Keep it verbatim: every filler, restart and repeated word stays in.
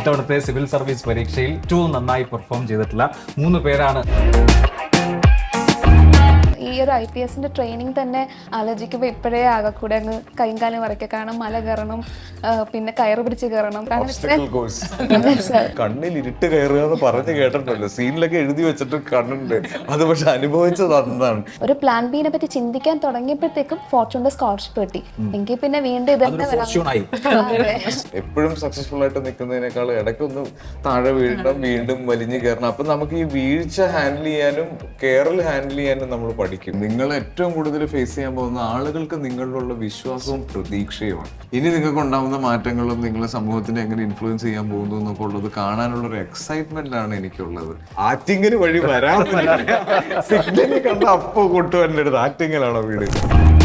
ഇത്തവണത്തെ civil service പരീക്ഷയിൽ ഏറ്റവും നന്നായി പെർഫോം ചെയ്തിട്ടുള്ള മൂന്ന് പേരാണ്. ഈ ഒരു ഐ പി എസിന്റെ ട്രെയിനിങ് തന്നെ ആലോചിക്കുമ്പോൾ ഇപ്പോഴേ ആകെ കൂടെ അങ്ങ് കൈകാലം വരയ്ക്കുക. കാരണം മല കയറണം, പിന്നെ കയറ് പിടിച്ച് കയറണം. കണ്ണിൽ ഇരുട്ട് കയറുക എന്ന് പറഞ്ഞു കേട്ടിട്ടുണ്ടല്ലോ, സീനിലൊക്കെ എഴുതി വെച്ചിട്ട് കണ്ണുണ്ട്. അത് പക്ഷെ അനുഭവിച്ചത് അതാണ്. ഒരു പ്ലാൻ ബിനെ പറ്റി ചിന്തിക്കാൻ തുടങ്ങിയപ്പോഴത്തേക്കും ഫോർച്യൂണിന്റെ സ്കോളർഷിപ്പ് കിട്ടി. എങ്കിൽ പിന്നെ വീണ്ടും ഇതന്നെ എപ്പോഴും സക്സസ്ഫുൾ ആയിട്ട് നിൽക്കുന്നതിനേക്കാൾ ഇടയ്ക്കൊന്ന് താഴെ വീഴണം, വീണ്ടും വലിഞ്ഞു കയറണം. അപ്പൊ നമുക്ക് ഈ വീഴ്ച ഹാൻഡിൽ ചെയ്യാനും കെയറിൽ ഹാൻഡിൽ ചെയ്യാനും നമ്മൾ പഠിക്കും. നിങ്ങൾ ഏറ്റവും കൂടുതൽ ഫേസ് ചെയ്യാൻ പോകുന്ന ആളുകൾക്ക് നിങ്ങളിലുള്ള വിശ്വാസവും പ്രതീക്ഷയുമാണ്. ഇനി നിങ്ങൾക്ക് ഉണ്ടാവുന്ന മാറ്റങ്ങളും നിങ്ങളെ സമൂഹത്തിനെ എങ്ങനെ ഇൻഫ്ലുവൻസ് ചെയ്യാൻ പോകുന്നു എന്നൊക്കെ ഉള്ളത് കാണാനുള്ള ഒരു എക്സൈറ്റ്മെന്റ് ആണ് എനിക്കുള്ളത്. ആക്ടിങ്ങിന് വഴി വരാൻ സിഗ്നലിൽ കണ്ട അപ്പോ കൊട്ടു എൻ്റെ അടുത്ത് ആക്ടിങ്ങിലാണോ വീട്.